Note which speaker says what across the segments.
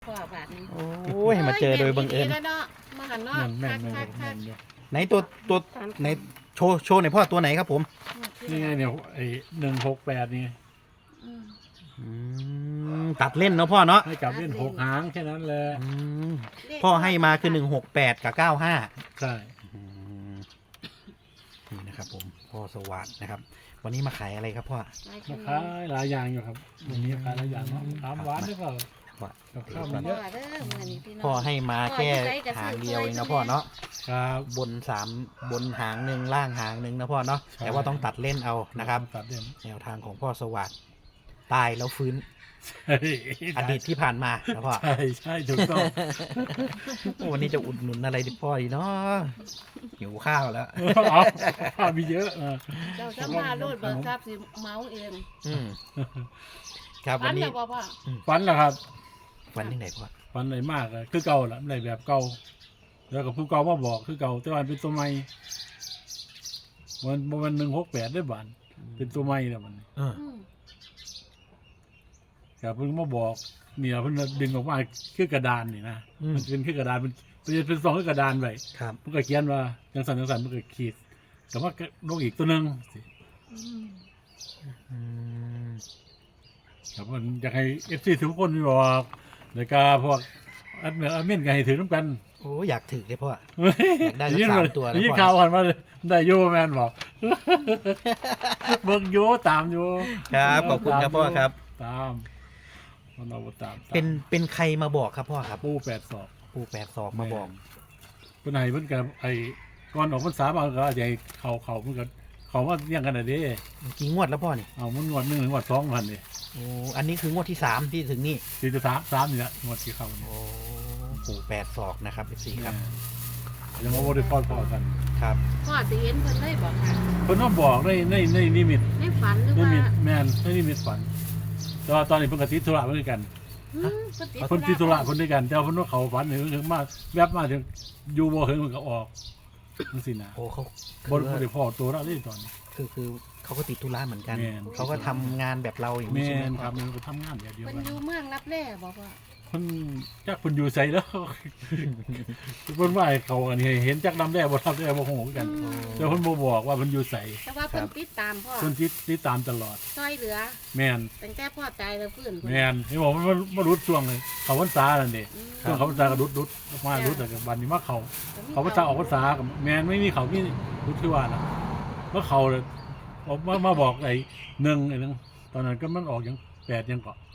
Speaker 1: พ่อบาทนี้
Speaker 2: โอ้ยมาเจอโดยบังเอิญ
Speaker 1: แล้วเนาะมาหันเนาะ
Speaker 3: แม่น
Speaker 1: คัก
Speaker 2: ไหนตัวไหนโชว์หน่อยพ่อตัวไหนครับผม
Speaker 3: นี่ไงเนี่ยไอ้168นี่
Speaker 1: อืม
Speaker 2: ตัดเล่นเนาะพ่อเนาะ
Speaker 3: ให้กลับเล่น6 หางแค่นั้นแหละ
Speaker 2: อืมพ่อให้มาคือ168กับ95
Speaker 3: ใช่
Speaker 2: นี่นะครับผมพ่อสวัสดนะครับ วันนี้มาขายอะไรครับพ่อ
Speaker 1: หลายค
Speaker 3: มาน ขายหลายอย่างอยู่ครับวันนี้ขายหลายอย่างเนาะตามหวานหรือเปล่า
Speaker 2: ว่า
Speaker 3: กับข้าว
Speaker 1: พ่
Speaker 3: มั
Speaker 1: อน
Speaker 3: เยอะ
Speaker 1: เด้อมื้อนี้พี่น้อง
Speaker 2: พ่อให้มาแค่หางเดียวเองนะพ่อเนาะ
Speaker 3: ครับ
Speaker 2: บนหางหนึ่งล่างหางหนึ่งนะพ่อเนาะ
Speaker 3: ใช่
Speaker 2: แต่ว่าต้องตัดเล่นเอานะครับ
Speaker 3: ตัดเด่น
Speaker 2: แนวทางของพ่อสวัสดตายแล้วฟื้น
Speaker 3: ใช่
Speaker 2: อดีตที่ผ่านมานะพ่อ
Speaker 3: ใช่ถูกต้อง
Speaker 2: วันนี้จะอุดหนุนอะไรดิพ่อดีเนาะหิวข้าวแล้ว
Speaker 3: เอาข้าวมีเยอะ
Speaker 1: เจ้าจะมาโลดเบิกทรัพย์สิเมาเอง
Speaker 2: อืมครับ
Speaker 1: ฟั
Speaker 2: วัน
Speaker 1: น
Speaker 2: นี้
Speaker 1: แล้วบ่พ่อ
Speaker 3: ฝันเหรอครับ
Speaker 2: วันที่ไหนพ่อ
Speaker 3: ฝันไหนมากเลยคือเก่าละในแบบเก่าแล้วก็ผู้เก่ามาบอกคือเก่าแต่ว่าเป็นตัวใหม่มัน168ได้บานเป็นตัวใหม่แล้วมัน
Speaker 2: เออ
Speaker 1: อืม
Speaker 3: ครับเพิ่งมาบอกเนี่ยเพิ่งดึงออกมาคือกระดานนี่นะมันเป็นคือกระดานมันเป็นซองคือกระดานไว้
Speaker 2: ครับ
Speaker 3: มันก็เขียนว่าจังสันมันก็ขีดแต่ว่าลงอีกตัวหนึงสิ
Speaker 1: อืม
Speaker 2: อืม
Speaker 3: ครับมันอยากให้FCทุกคนบอกแล้วก็พวกอัดเมนก็ให้ถือน้ำกัน
Speaker 2: โอ้อยากถือเลยพ่อ อยากได้สัก3 ตัวนะ
Speaker 3: ยิ่ง
Speaker 2: พ่อ
Speaker 3: ข่าวผ่านมาเลยได้โยแมนบอก เบิ่งโยตามโย
Speaker 2: ครับขอบคุณครับพ่อครับ
Speaker 3: ตามมันเอาตาม
Speaker 2: เป็นใครมาบอกครับพ่อครับ
Speaker 3: ปู8 ศอก
Speaker 2: ปู่82มาบอก
Speaker 3: เพิ่นให้เพิ่นกับไอ้ก่อนออกพรรษาบางก็อาจจะให้เขาเพิ่นก็เขาว่าเรียงกันน่ะเด้
Speaker 2: กี่งวดแล้วพ่อนี่
Speaker 3: เอามันงวด1ถึงงวด2พันนี่
Speaker 2: โอ้อันนี้คืองวดที่3ที่ถึงนี่
Speaker 3: สิจะ3นี่ละงวดที่เข้านี่
Speaker 2: โอ้ปู่82นะครับ14ครับ
Speaker 3: ยังบ่ได้พอกัน
Speaker 2: ครับ
Speaker 1: พ่อสิเห็นเพิ่นได้บอกค่ะ
Speaker 3: เพิ่นมาบอกในนิมิต
Speaker 1: ในฝันหรือ
Speaker 3: นิ
Speaker 1: ว่า
Speaker 3: มิตแม่นในนิมิตฝันแต่ว่าตอนนี้เพิ่นก็ติดธุระเหมือนกัน
Speaker 1: อืมเพิ่น
Speaker 3: เพิ่นติดธุระเพิ่นด้วยกันแต่ว่าเพิ่นว่าเขาฝันถึงมาแวบมาถึงอยู่บ่ถึงมันก็ออกจังซี่นะ
Speaker 2: โอ้เขา
Speaker 3: บ่ได้พอตัวเราเลยตอนนี้
Speaker 2: คือเขาก็ติดธุระเหมือนกัน
Speaker 3: แม่น
Speaker 2: เขาก็ทำงานแบบเราอย่างนี้
Speaker 3: แม่
Speaker 2: ใช่ไหม
Speaker 3: น
Speaker 2: ค
Speaker 3: ค
Speaker 2: รั
Speaker 3: รั
Speaker 2: บบ
Speaker 3: มันก็ทำงานแบบเดียว
Speaker 1: เพิ่น
Speaker 3: กัน
Speaker 1: อยู่เมืองรับแร่บอกว่า
Speaker 3: เพิ่นจักเพิ่นอยู่ไสแล้ว เพิ่นว่าให้เขาอันนี้เห็นจักนำแร่บ่ทำแร่บ่ฮู้คือกัน แต่เพิ่นบ่บอกว่าเพิ่นอยู่ไส
Speaker 1: แต่ว่าเพิ่นติดตามพ่อ
Speaker 3: เพิ่นติดตามตลอด
Speaker 1: ช่วยเหลือ
Speaker 3: แม่น
Speaker 1: ตั้งแต่พ่อตายแล้วฟื้น
Speaker 3: แม่นเห็นบอกมันมารุดช่วงเลยเขาพรรษานั่นเด้
Speaker 1: อืม
Speaker 3: ช่วงเขาพรรษาก็รุดออกมารุดแต่กับบัดนี้มาเขาพรรษาออกพรรษากับแม่นไม่มีเขามีรุดคือว่าน่ะว่าเขาเลยออกมาบอกไอ้1ไอ้นึงตอนนั้นก็มันออกยัง8ยังเกาะ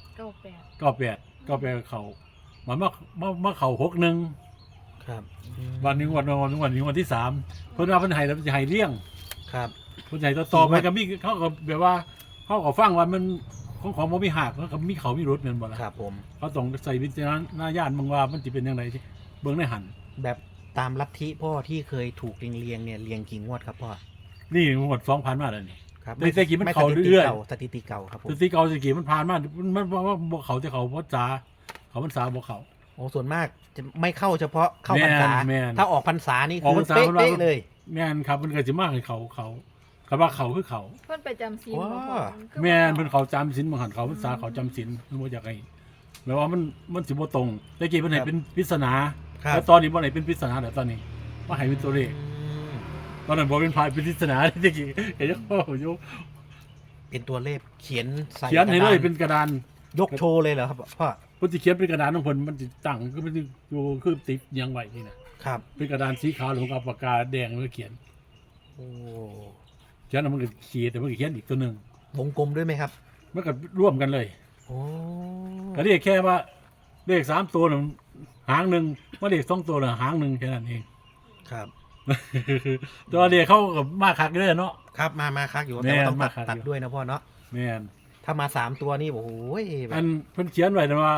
Speaker 1: 98
Speaker 3: 98เขามันมาเขา61
Speaker 2: ครับ
Speaker 3: วันนี้วันที่3เพิ่นว่าเพิ่นให้แล้วจะให้เลี้ยง
Speaker 2: ครับ
Speaker 3: เพิ่นให้ต่อไปก็มีเขาก็แบบว่าเขาก็ฟังว่ามันของบ่มีหักแล้วก็มีเขามีรถนั่นบ่ล่ะ
Speaker 2: ครับผม
Speaker 3: เขาต้องใส่วิจารณญาณบางว่ามันจะเป็นยังไงเบิ่งในหัน
Speaker 2: แบบตามลัทธิพ่อที่เคยถูกเรียงเนี่ยเรียงกี่งวดครับพ่อ
Speaker 3: นี่หมด2,000มาแล้วนี่
Speaker 2: ครับ
Speaker 3: แต่กี่มัน
Speaker 2: ไม่
Speaker 3: เข้า
Speaker 2: สถิติ
Speaker 3: เรื่อยๆ
Speaker 2: ก่าสถิติเก่าครับผม
Speaker 3: สติเก่าสกี่มันผ่านมามันว่าบ่เขาจะเขาพรรษาเขาพรรษาบ่เขา
Speaker 2: โอ้ส่วนมากจะไม่เข้าเฉพาะเข้าพรรษา
Speaker 3: แม่น
Speaker 2: ถ้าออกพรรษานี่
Speaker 3: ออก
Speaker 2: คื
Speaker 3: พร
Speaker 2: อ
Speaker 3: รษา
Speaker 2: เป๊ะ
Speaker 3: เพิ่นว่า
Speaker 2: ๆเลย
Speaker 3: แม่นครับมันก็สิมาให้เขาคำว่าเขาคือเขา
Speaker 4: เพิ่นไปจำศีล
Speaker 2: ว้า
Speaker 4: บ่พ่อ
Speaker 3: แม่นเพิ่นเขาจำศีลบางหันเขาพรรษาเขาจำศีลมันบ่อยากให้แปลว่ามันสิบ่ตรงแต่กี้เพิ่นให้เป็นปริศนา
Speaker 2: ครับ
Speaker 3: แล้วตอนนี้บ่ให้เป็นปริศนาแต่ตอนนี้มาให้เป็นตัวเลข
Speaker 2: อืม
Speaker 3: ตอนนั้นบ่เป็นพายเป็นปริศนาแต่กี้เห็นโอ้โห
Speaker 2: เป็นตัวเลขเขียนใส่
Speaker 3: เขียนให้เลย
Speaker 2: กระดา
Speaker 3: เป็นกระดาน
Speaker 2: ยกโชว์เลยเหรอครับพ่อ
Speaker 3: เพิ่นสิเขียนเป็นกระดานของเพิ่นมันสิตั้งก็มันสิอยู่คือติดเรียังไว้นี่นะครับ เป็นกระดานสีขาวหรือกับปากกาแดงแล้วเขียน
Speaker 2: โอ้
Speaker 3: เขียนแล้วมันก็ขีดแต่มันก็เขียนอีกตัวหนึง
Speaker 2: วงกลมด้วยไหมครับ
Speaker 3: มันก็ร่วมกันเลย
Speaker 2: โอ้
Speaker 3: ก็เรียกแค่ว่าเลข3ตัวน่ะหางหนึงว่าเลข2ตัวน่ะหางหนึงแค่นั้นเอง
Speaker 2: ครับ
Speaker 3: ตัวเลขเขาก็มาคักเด้อเนาะ
Speaker 2: ครับมาคักอยู่
Speaker 3: แม่
Speaker 2: แต่
Speaker 3: น
Speaker 2: ว่าต้อง
Speaker 3: มาคัก
Speaker 2: ตัด
Speaker 3: อยู่
Speaker 2: ด้วยนะพ่อเนาะ
Speaker 3: แม่น
Speaker 2: ถ้ามา3 ตัวนี่โอ้โหแบ
Speaker 3: อั
Speaker 2: บ
Speaker 3: นเพิ่นเขียนไว้นะว่า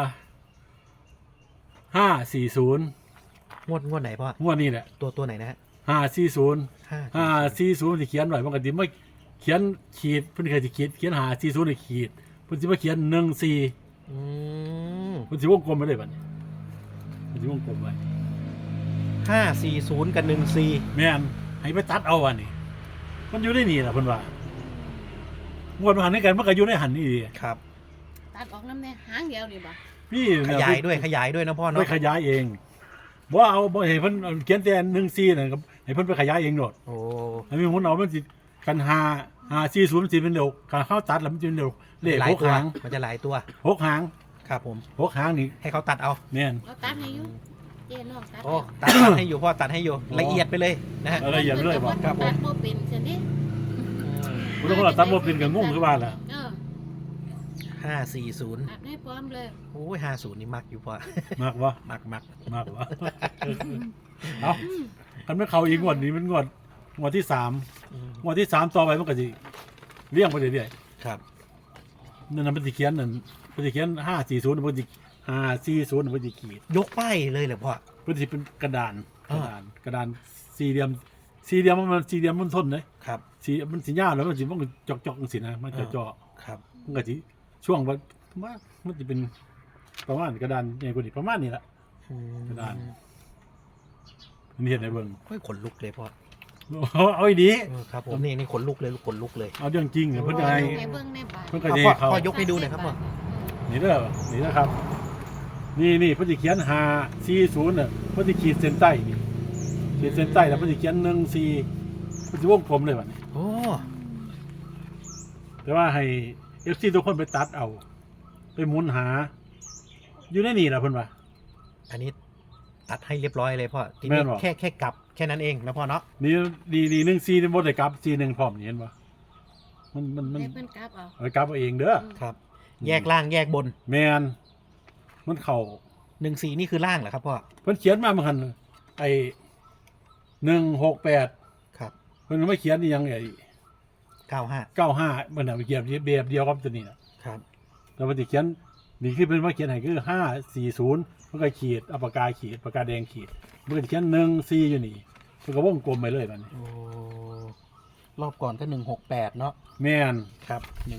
Speaker 3: 540
Speaker 2: งวดไหนพ่อง
Speaker 3: วดนี้แหละ
Speaker 2: ตัวไหนนะฮะ
Speaker 3: 540 540ที่เขียนไว้มันก็สิมาเขียนขีดเพิ่นเคยสิเขียน540ให้ขีดเพิ่นสิมาเขียน14
Speaker 2: อืม
Speaker 3: เพิ่นสิวงกลมไปเลยบัดนี้เพิ่นสิวงกลมไว้
Speaker 2: 540 กับ 14
Speaker 3: แม่นให้ไปตัดเอาอันนี้มันอยู่ในนี่ล่ะเพิ่นว่างวดมาหันในกันมันก็อยู่ในหันนี่ดี
Speaker 2: ครับ
Speaker 1: ตัดออกน้ำแน่หางเดียวนี่บ่
Speaker 3: พี่
Speaker 2: ขยายด้วยนะพ่อ
Speaker 3: ไป
Speaker 2: เนาะ
Speaker 3: ขยายเองว่าเอาบ่ให้เพิ่นเขียนแต่1-4น่ะครับให้เพิ่นไปขยายเองโดด
Speaker 2: โอ้
Speaker 3: อันนี้มันเอามันสิกัน5-4-0มันสิเป็นเร็วการเข้าตัดแล้วมันสิเป็นเร็วเลข
Speaker 2: หลาย
Speaker 3: 6
Speaker 2: ตัว
Speaker 3: หาง
Speaker 2: มันจะหลายตัว
Speaker 3: 6หาง
Speaker 2: ครับผม
Speaker 3: 6หางนี่
Speaker 2: ให้เขาตัดเอา
Speaker 3: แม่น
Speaker 1: เราตัดให้อยู่เจ๊น้องตัด
Speaker 2: โอ้ตัดให้อยู่พ่อตัดให้อยู่
Speaker 3: อ๋อ
Speaker 2: ละเอียดไปเลยนะฮะ
Speaker 3: เอาละเอียดเลยบ่
Speaker 1: ครับผมตัดบ่เป็นซั่นนี่
Speaker 3: บ่ต้องว่าตัดบ่เป็นก็งงคือว่าล่ะ
Speaker 2: 540
Speaker 1: ตัดให้พร้อมเลย
Speaker 2: โอ้ย50นี่มักอยู่พ่อ
Speaker 3: มากวะ
Speaker 2: มัก
Speaker 3: มากวะเอาคันไม่เข้าอีกงวดนี้มันงวดที่3งวดที่3ต่อไปมันก็สิเลี้ยงไปเรื่อย
Speaker 2: ครับ
Speaker 3: ๆนั่นน่ะมันสิเขียน540มันสิ540มันสิขีด
Speaker 2: ยกป้ายเลยเหรอพ่อ
Speaker 3: มันสิเป็นกระดาน
Speaker 2: อ่า
Speaker 3: กระดานสี่เหลี่ยมมันทนเลย
Speaker 2: ครับ
Speaker 3: มันสิยาวแล้วมันสิมันก็จอกจังซี่นะมันจะเจาะ
Speaker 2: ครับ
Speaker 3: มันก็สิช่วงว่ามันสิเป็นประมาณกระดานใหญ่กว่านี้ประมาณนี้ล่ะ กระดาน อันนี้เห็นในเบิ่ง
Speaker 2: ค่อยขนลุกเลยพ่อ
Speaker 3: เอาอีดี
Speaker 2: ครับผมนี่ขนลุกเลยขนลุกเลย
Speaker 3: เอาเรื่องจริงเนี่ยเพิ่นจะให้
Speaker 1: ให้เบิ่งในบาท
Speaker 3: เพิ่นก็
Speaker 2: พ่อ
Speaker 3: จะ
Speaker 2: พ่อ
Speaker 3: ให้เขา
Speaker 2: พ่อยกให้ดูหน่อยครับพ่อ
Speaker 3: นี่เด้อนี่นะครับ นี่เพิ่นสิเขียน540น่ะเพิ่นสิขีดเส้นใต้นี่ขีดเส้นใต้แล้วเพิ่นสิเขียน14เพิ่นสิวงกลมเลยบัดนี้
Speaker 2: โอ้
Speaker 3: แต่ว่าให้ FC ทุกคนไปตัดเอา ไปหมุนหา อยู่ในนี่ล่ะเพิ่นว่า
Speaker 2: อันนี้ตัดให้เรียบร้อยเลยพ่อที
Speaker 3: แม่
Speaker 2: นี้
Speaker 3: นบ่
Speaker 2: แค่กลับแค่นั้นเองนะพ่อเนาะ
Speaker 3: นี่14นี่บ่ได้กลับ41พร้อมนี่เห็นบ่มัน
Speaker 1: ให้เพิ่นกลับเอา
Speaker 3: เอากลับเอาเองเด้อ
Speaker 2: ครับ แยกล่างแยกบน
Speaker 3: แมนมันเข้า
Speaker 2: 14นี่คือล่างเหรอครับพ่อ
Speaker 3: เพิ่นเขียนมาเหมือนกันไอ้168
Speaker 2: ครับ
Speaker 3: เพิ่นไม่เขียนอีหยังไอ้
Speaker 2: 95
Speaker 3: 95มันน่ะไปเขียนแบบเดียวกับตัวนี้น่ะ
Speaker 2: ครับ
Speaker 3: แล้วมันสิเขียนนี่คือเพิ่นมาเขียนให้คือ540มันก็ขีดเอาปากกาขีดปากกาแดงขีดมันก็สิเขียน14อยู่นี่เพิ่นก็วงกลมไปเลยบัดนี้
Speaker 2: โอ้รอบก่อนก็168เนาะ
Speaker 3: แม่น
Speaker 2: ครับ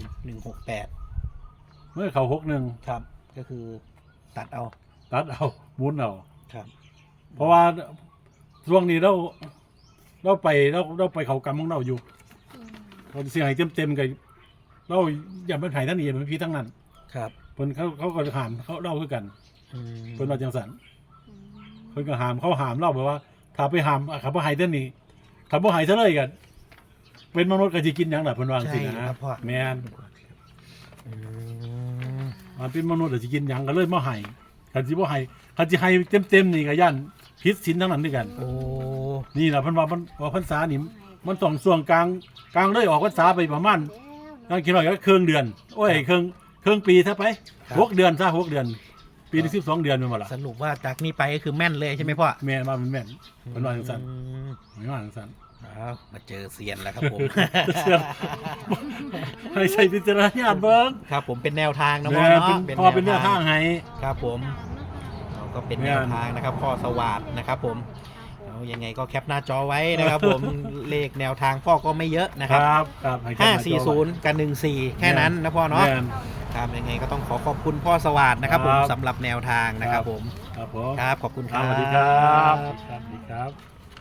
Speaker 2: 168
Speaker 3: เมื่อเข้า61
Speaker 2: ครับ ก็คือตัดเอา
Speaker 3: ตัดเอาหมุนเอา
Speaker 2: ครับ
Speaker 3: เพราะว่าช่วงนี้เราไปเขากรรมของเราอยู่ เราเสียหายเต็มๆกันเราอย่าเป็นไผ่ท่านนี่เป็นพี่ทั้งนั้น
Speaker 2: ครับ
Speaker 3: เพิ่นเขาก็หามเขาเล่าคือกัน
Speaker 2: อืม
Speaker 3: เพิ่นว่าจังสันเพิ่นก็หามเขาหามเล่าแบบว่าถ้าไปหามขับบ่หายท่านนี่ขับบ่หายซะเลยกันเป็นมนุษย์ก็สิกินหยังล่ะเพิ่นว่าจังซี่
Speaker 2: ใช่
Speaker 3: นะครับ
Speaker 2: พ่อ
Speaker 3: แม่น
Speaker 2: อืม
Speaker 3: มันเป็นมนุษย์ก็สิกินหยังก็เลยบ่ให้คันสิบ่ให้คันสิให้เต็มๆนี่ก็ย่านผิดศีลทั้งนั้นด้วยกัน
Speaker 2: โอ้
Speaker 3: นี่ล่ะเพิ่นว่าพรรษานี่มันต้องช่วงกลางเลยออกพรรษาไปประมาณ นั่งคิดว่าก็ครึ่งเดือน โอ้ยครึ่งปีซะไป6 เดือนซะ6 เดือน ปีนึง12 เดือนเป็นบ่ล่ะ
Speaker 2: สรุปว่าจากนี้ไปก็คือแม่นเลยใช่ไหมพ่อ
Speaker 3: แม่มามันแม่นเป็นว่าจังซั่น
Speaker 2: อืม
Speaker 3: ไม่ว่าจังซั่น
Speaker 2: อ้าวมาเจอเซียนแล้วครับผม
Speaker 3: เซียน ให้ใช้วิจารณญาณเบิ่ง
Speaker 2: ครับผมเป็นแนวทางนะพ่อ
Speaker 3: แม่
Speaker 2: เนาะ
Speaker 3: พอเป็นแนวทางให้
Speaker 2: ครับผมเราก็เป็นแนวทางนะครับพ่อสวัสดนะครับผมเอายังไงก็แคปหน้าจอไว้นะครับผม เลขแนวทางพ่อก็ไม่เยอะนะค
Speaker 3: ครับ รับครับให้แค่หน้าจอ
Speaker 2: 540 กับ 14 แค่นั้นนะพ่อเนาะ
Speaker 3: แม่
Speaker 2: ครับยังไงก็ต้องขอบคุณพ่อสวัสดนะครับผม
Speaker 3: ครับ
Speaker 2: สำหรับแนวทางนะครับผม
Speaker 3: ครับผม
Speaker 2: ครับขอบคุณค
Speaker 3: ส
Speaker 2: รับ
Speaker 3: วัสดีครับสวัสดีครับ